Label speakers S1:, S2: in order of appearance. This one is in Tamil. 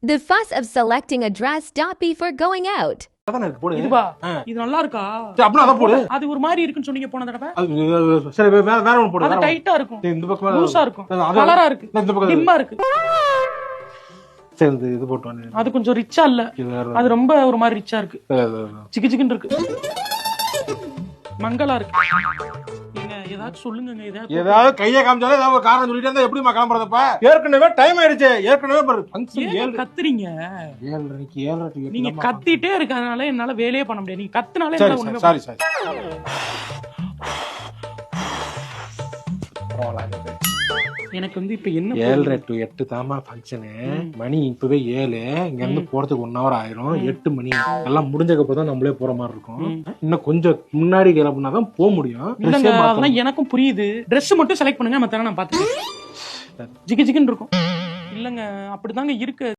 S1: The fuss of selecting a dress stop before going out.
S2: அதானே இருக்கு, போடு.
S3: இதுவா இது நல்லா இருக்கா?
S2: சரி, அப்படின்னா அதை போடு.
S3: அது ஒரு மாதிரி இருக்குன்னு சொன்னீங்க போன தடவை.
S2: சரி, வேற ஒன்று போடு.
S3: அது டைட்டா இருக்கும்,
S2: சரி, இந்த பக்கம்
S3: லூசா இருக்கும்,
S2: அது-
S3: கலரா இருக்கு,
S2: இந்த பக்கம்
S3: டிம்மா இருக்கு.
S2: சரி, இது போட்டு வாங்க.
S3: அது கொஞ்சம் ரிச்சா இல்ல,
S2: இது வேற.
S3: அது ரொம்ப ஒரு மாதிரி ரிச்சா இருக்கு, சிக்கு சிக்குன்னு இருக்கு, மங்களா இருக்கு. நீங்க ஏதாச்சும் சொல்லுங்க,
S2: ஏதாவது கையை காமிச்சாலே ஏதாவது ஒரு காரணம் சொல்லிட்டு இருந்தா எப்படிமா கிளம்புறதப்ப? ஏற்கனவே டைம் ஆயிடுச்சு. ஏற்கனவே ஃபங்க்ஷன்
S3: ஏன் கத்துறீங்க?
S2: 7:30
S3: நீங்க கத்திட்டே இருக்கறதுனால என்னால வேலையே பண்ண முடியாது. நீங்க கத்துனாலே
S2: சரி,
S3: என்னால ஒண்ணுமே
S2: சாரி.
S3: எனக்கு வந்து இப்ப என்ன
S2: 7:30 to 8 தாமா ஃபங்க்ஷனு. மணி இப்பவே 7. இங்க இருந்து போறதுக்கு 1 hour ஆயிரும். 8 மணி எல்லாம் முடிஞ்சதுக்கு அப்புறம் தான் நம்மளே போற மாதிரி இருக்கும். இன்னும் கொஞ்சம் முன்னாடி கிளம்புனாதான் போக முடியும்.
S3: இல்லங்க, அதெல்லாம் எனக்கும் புரியுது. Dress மட்டும் செலக்ட் பண்ணுங்க, மத்தெல்லாம் நான் பாத்துக்கிறேன். ஜிகு ஜிகுன்னு இருக்கும். இல்லங்க, அப்படிதாங்க இருக்கு.